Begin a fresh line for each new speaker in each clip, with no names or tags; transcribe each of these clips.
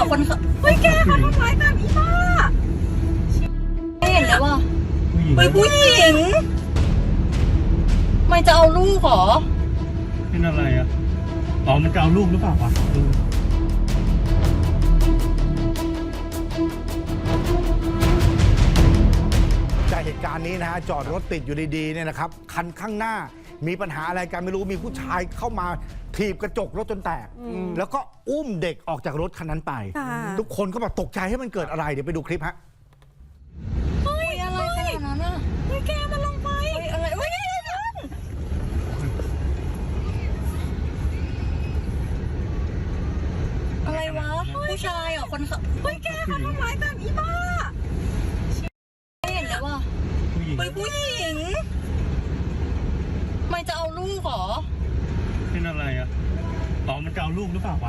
คนเฮ้ยแกเขาทำร้ายกันอีบ้าไม่เห็นเลยว่าเฮ้ยผู้หญิงไม่จะเอาลูกเหรอ
เป็นอะไรอ่ะอ๋อมันจะเอาลูกหรือเปล่าวะ
จากเหตุการณ์นี้นะฮะจอดรถติดอยู่ดีๆเนี่ยนะครับคันข้างหน้ามีปัญหาอะไรกันไม่รู้มีผู้ชายเข้ามาถีบกระจกรถจนแตกแล้วก็อุ้มเด็กออกจากรถคันนั้นไปทุกคนก็แบบตกใจให้มันเกิดอะไรเดี๋ยวไปดูคลิปฮะ
เฮ้ยอะไรขนาดนั้นอ่ะเฮ้ยแกมันลงไปอะไรเฮ้ยอะไรวะผู้ชายเหรอคนเฮ้ยแกเขาทำร้ายกันอีบ้าไม่เห็นเลยว่าเฮ้ยผู้หญิงไม่จะเอาลูกเหรอ
เป็นอะไรอ่ะอ๋อมันจะเอาลูกหรือเปล่าวะ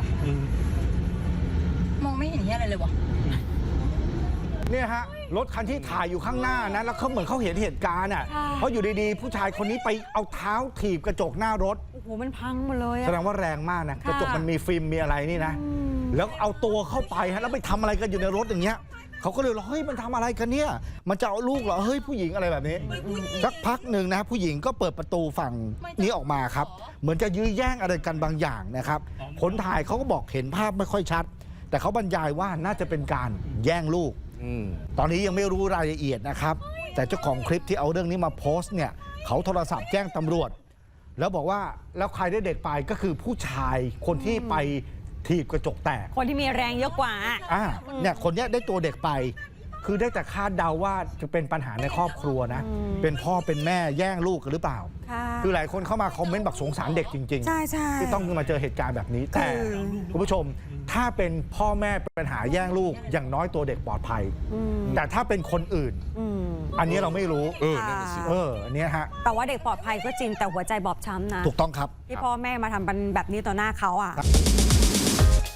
มองไม่เห็นเหี้ยอะไรเลยวะ
เนี่ยฮะรถคันที่ถ่ายอยู่ข้างหน้านะแล้วเขาเหมือนเขาเห็นเหตุการณ์อ่ะเพราะอยู่ดีๆผู้ชายคนนี้ไปเอาเท้าถีบกระจกหน้ารถ
โอ้โหมันพังหมดเลย
แสดงว่าแรงมากนะกระจกมันมีฟิล์มมีอะไรนี่นะแล้วเอาตัวเข้าไปฮะแล้วไปทำอะไรกันอยู่ในรถอย่างเงี้ยเขาก็เลยบอกเฮ้ยมันทำอะไรกันเนี่ยมันจะเอาลูกเหรอเฮ้ยผู้หญิงอะไรแบบนี้สักพักหนึ่งนะผู้หญิงก็เปิดประตูฝั่งนี้ออกมาครับเหมือนจะยื้อแย่งอะไรกันบางอย่างนะครับคนถ่ายเขาก็บอกเห็นภาพไม่ค่อยชัดแต่เขาบรรยายว่าน่าจะเป็นการแย่งลูกตอนนี้ยังไม่รู้รายละเอียดนะครับแต่เจ้าของคลิปที่เอาเรื่องนี้มาโพสต์เนี่ยเขาโทรศัพท์แจ้งตำรวจแล้วบอกว่าแล้วใครได้เด็กไปก็คือผู้ชายคนที่ไปถีบกระจกแตก
คนที่มีแรงเยอะกว่า
เนี่ยคนนี้ได้ตัวเด็กไปคือได้แต่คาดเดาว่าจะเป็นปัญหาในครอบครัวนะเป็นพ่อเป็นแม่แย่งลูกกันหรือเปล่าคือหลายคนเข้ามาคอมเมนต์บอกสงสารเด็กจริงๆที่ต้องมาเจอเหตุการณ์แบบนี้แต่คุณผู้ชมถ้าเป็นพ่อแม่เป็นปัญหาแย่งลูกอย่างน้อยตัวเด็กปลอดภัยแต่ถ้าเป็นคนอื่นอันนี้เราไม่รู้อันนี้ฮะ
แต่ว่าเด็กปลอดภัยก็จริงแต่หัวใจบอบช้ำนะ
ถูกต้องครับ
ที่พ่อแม่มาทำแบบนี้ต่อหน้าเขา